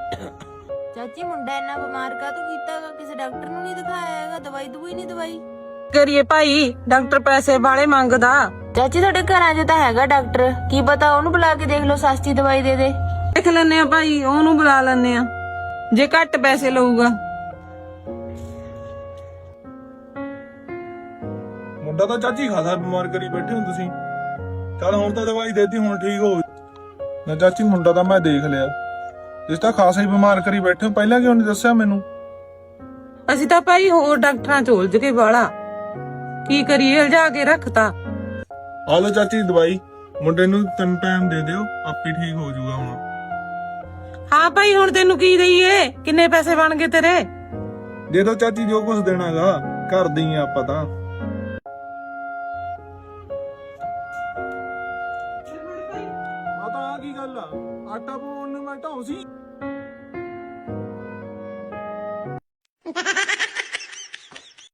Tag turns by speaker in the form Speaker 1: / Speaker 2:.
Speaker 1: ਚਾਚੀ ਮੁੰਡਾ ਇੰਨਾ ਬਿਮਾਰ ਕਾਹਤੋਂ ਕੀਤਾਗਾ? ਕਿਸੇ ਡਾਕਟਰ ਨੂੰ ਨਹੀਂ ਦਿਖਾਇਆ ਹੈਗਾ? ਦਵਾਈ ਦਵਾਈ ਨਹੀਂ ਦਵਾਈ?
Speaker 2: ਕਰੀਏ ਭਾਈ, ਡਾਕਟਰ ਪੈਸੇ ਵਾਲੇ ਮੰਗਦਾ।
Speaker 1: ਚਾਚੀ ਤੁਹਾਡੇ ਘਰਾਂ 'ਚ ਤਾਂ ਹੈਗਾ ਡਾਕਟਰ, ਕੀ ਪਤਾ ਉਹਨੂੰ ਬੁਲਾ ਕੇ ਦੇਖ ਲਓ, ਸਸਤੀ ਦਵਾਈ ਦੇ ਦੇ।
Speaker 2: ਦੇਖ ਲੈਨੇ ਆ ਭਾਈ, ਉਹਨੂੰ ਬੁਲਾ ਲੈਨੇ ਆ ਜੇ ਘੱਟ ਪੈਸੇ ਲਊਗਾ।
Speaker 3: ਮੁੰਡਾ ਤਾਂ ਚਾਚੀ ਖਾਸਾ ਬਿਮਾਰ ਕਰੀ ਬੈਠੇ ਹੋ ਤੁਸੀਂ। ਚੱਲ ਹੁਣ ਤਾਂ ਦਵਾਈ ਦੇਤੀ, ਹੁਣ ਠੀਕ ਹੋ ਨਾ। ਚਾਚੀ ਮੁੰਡਾ ਤਾਂ ਮੈਂ ਦੇਖ ਲਿਆ, ਇਸ ਤਾਂ ਖਾਸਾ ਹੀ ਬਿਮਾਰ ਕਰੀ ਬੈਠੇ ਹੋ, ਪਹਿਲਾਂ ਕਿਉਂ ਨਹੀਂ ਦੱਸਿਆ ਮੈਨੂੰ?
Speaker 2: ਅਸੀਂ ਤਾਂ ਭਾਈ ਹੋਰ ਡਾਕਟਰਾਂ ਚ ਉਲਝ ਕੇ ਵਾਲਾ, ਕੀ ਕਰੀਏ, ਲਿਜਾ ਕੇ ਰੱਖਤਾ।
Speaker 3: ਆ ਲੋ ਚਾਚੀ ਦਵਾਈ, ਮੁੰਡੇ ਨੂੰ 3 ਟਾਈਮ ਦੇ ਦਿਓ, ਆਪੇ ਠੀਕ ਹੋ ਜਾਊਗਾ ਹੁਣ।
Speaker 2: ਹਾਂ ਭਾਈ, ਹੁਣ ਤੈਨੂੰ ਕੀ ਦਈਏ? ਕਿੰਨੇ ਪੈਸੇ ਬਣ ਗਏ ਤੇਰੇ?
Speaker 3: ਦੇ ਦੋ ਚਾਚੀ ਜੋ ਕੁਝ ਦੇਣਾਗਾ, ਘਰ ਦੀ ਆ ਆਪਾਂ ਤਾਂ। ਆ ਤਾਂ ਆ ਕੀ ਗੱਲ ਆ, ਆਟਾ ਪਾਉਣ ਨੂੰ ਮੈਂ ਢਾਉਂ ਸੀ।